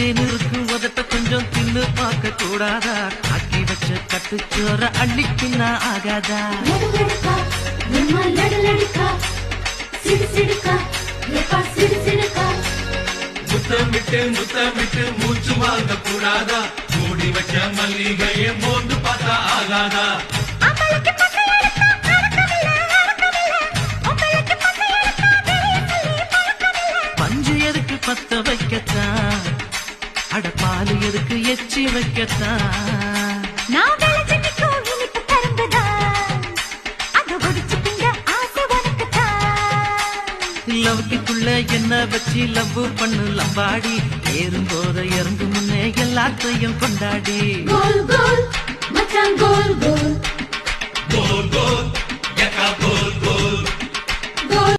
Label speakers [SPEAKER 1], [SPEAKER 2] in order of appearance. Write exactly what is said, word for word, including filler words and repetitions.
[SPEAKER 1] தேன் இருக்கு உதட்ட கொஞ்சம் தின்னு பார்க்க கூடாதா? ஆக்கி வச்ச கட்டுச்சோற அள்ளிக்குன்னா ஆகாதா?
[SPEAKER 2] முத்தமிட்டு முத்தமிட்டு மூச்சு வாங்க கூடாதா? மூடி வச்ச மல்லிகையை மோந்து பார்த்தா ஆகாதா?
[SPEAKER 1] பஞ்சு எதுக்கு பத்த வைக்கத்தான், அட பாலு எதுக்கு எச்சி வைக்கத்தான். லவ்க்குள்ள என்ன வச்சு லவ் பண்ணு லம்பாடி, ஏறும் போத இறங்கு முன்னே எல்லாத்தையும் கொண்டாடி.
[SPEAKER 3] கோல் கோல் மச்சான் கோல் கோல்
[SPEAKER 2] கோல் கோல் யக்கா கோல்